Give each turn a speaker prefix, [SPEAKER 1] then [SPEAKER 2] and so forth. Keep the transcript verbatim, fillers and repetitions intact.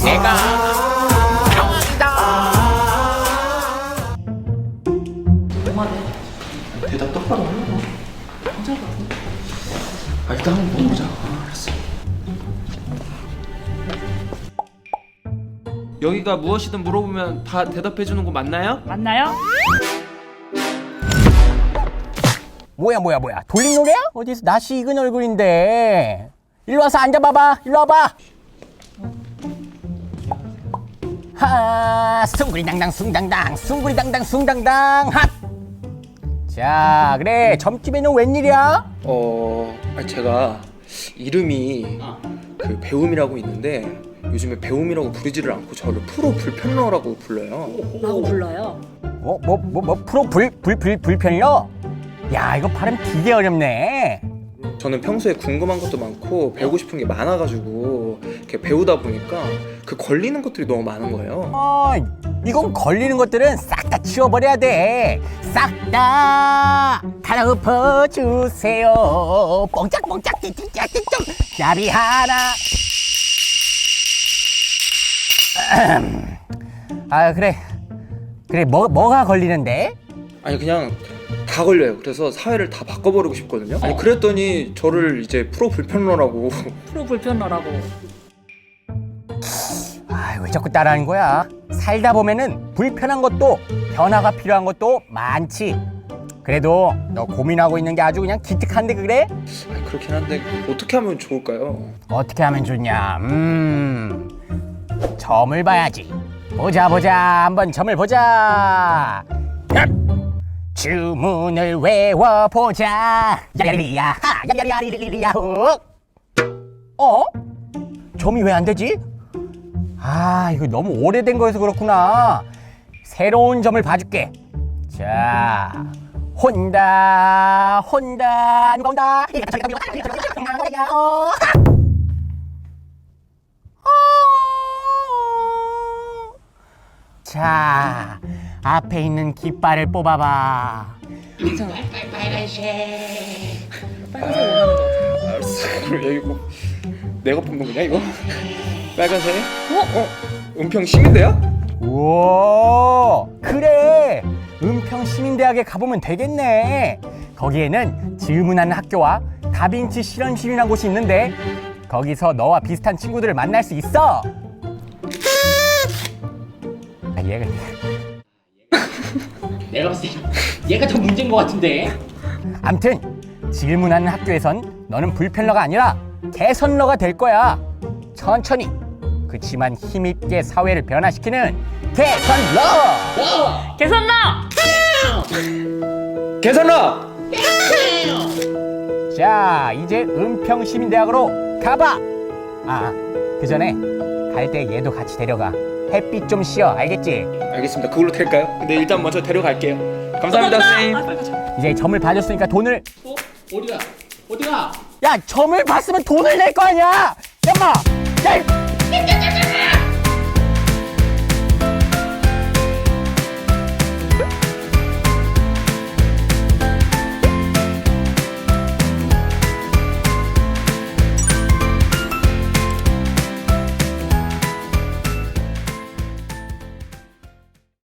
[SPEAKER 1] 내가 병이다.
[SPEAKER 2] 대답 똑바로 하려고.
[SPEAKER 3] 괜찮을 것 같은데?
[SPEAKER 2] 아, 일단 한번 물어보자. 아, 알았어.
[SPEAKER 4] 여기가 무엇이든 물어보면 다 대답해주는 곳 맞나요?
[SPEAKER 3] 맞나요?
[SPEAKER 1] 뭐야 뭐야 뭐야 돌림 노래야? 어디서 낯이 익은 얼굴인데. 일로 와서 앉아봐봐. 일로 와봐. 하 숭구리당당 숭당당 숭구리당당 숭당당 핫. 자 그래 점집에는 웬일이야?
[SPEAKER 2] 어, 아니, 제가 이름이 그 배움이라고 있는데 요즘에 배움이라고 부르지를 않고 저를 프로 불편러라고 불러요.
[SPEAKER 3] 라고 불러요.
[SPEAKER 1] 뭐 뭐 뭐 뭐 프로 불 불 불 불편러? 야 이거 발음 되게 어렵네.
[SPEAKER 2] 저는 평소에 궁금한 것도 많고 배우고 싶은 게 많아가지고 이렇게 배우다 보니까 그 걸리는 것들이 너무 많은 거예요.
[SPEAKER 1] 어, 이건 걸리는 것들은 싹 다 치워버려야 돼. 싹 다 달아엎어주세요. 뽕짝뽕짝 띠띠짝띠짝 나비 하나. 아 그래 그래 뭐 뭐가 걸리는데?
[SPEAKER 2] 아니 그냥 다 걸려요. 그래서 사회를 다 바꿔버리고 싶거든요. 아니 그랬더니 저를 이제 프로 불편러라고.
[SPEAKER 3] 프로 불편러라고.
[SPEAKER 1] 아 왜 자꾸 따라하는 거야? 살다 보면은 불편한 것도 변화가 필요한 것도 많지. 그래도 너 고민하고 있는 게 아주 그냥 기특한데 그래?
[SPEAKER 2] 아니, 그렇긴 한데 어떻게 하면 좋을까요?
[SPEAKER 1] 어떻게 하면 좋냐? 음, 점을 봐야지. 보자 보자 한번 점을 보자. 주문을 외워보자. 야리리야 하 야리리야 후. 어? 점이 왜 안 되지? 아 이거 너무 오래된 거여서 그렇구나. 새로운 점을 봐줄게. 자 혼다 혼다 누가 온다. 자 앞에 있는 깃발을 뽑아봐.
[SPEAKER 3] 괜찮아. 빨간색. 빨간색 원하는 거 같아.
[SPEAKER 2] 알았어. 그럼 야 이거 내가 뽑는 거냐 이거? 빨간색?
[SPEAKER 3] 어?
[SPEAKER 2] 어? 은평 시민대야?
[SPEAKER 1] 우와 그래 은평 시민대학에 가보면 되겠네. 거기에는 질문하는 학교와 다빈치 실험실이라는 곳이 있는데 거기서 너와 비슷한 친구들을 만날 수 있어. 아 얘가
[SPEAKER 5] 내가 봤을 때 얘가 더 문제인 것 같은데.
[SPEAKER 1] 암튼 질문하는 학교에선 너는 불편러가 아니라 개선러가 될 거야. 천천히 그치만 힘있게 사회를 변화시키는 개선러.
[SPEAKER 3] 개선러!
[SPEAKER 2] 계산라!
[SPEAKER 1] 자 이제 은평시민대학으로 가봐. 아 그 전에 갈 때 얘도 같이 데려가. 햇빛 좀 쉬어 알겠지?
[SPEAKER 2] 알겠습니다. 그걸로 될까요? 근데 일단 먼저 데려갈게요. 감사합니다, 선생님.
[SPEAKER 3] 아, 빨리 가자.
[SPEAKER 1] 이제 점을 봐줬으니까 돈을.
[SPEAKER 5] 어? 어디가? 어디가?
[SPEAKER 1] 야 점을 봤으면 돈을 낼 거 아니야. 야마 야 이-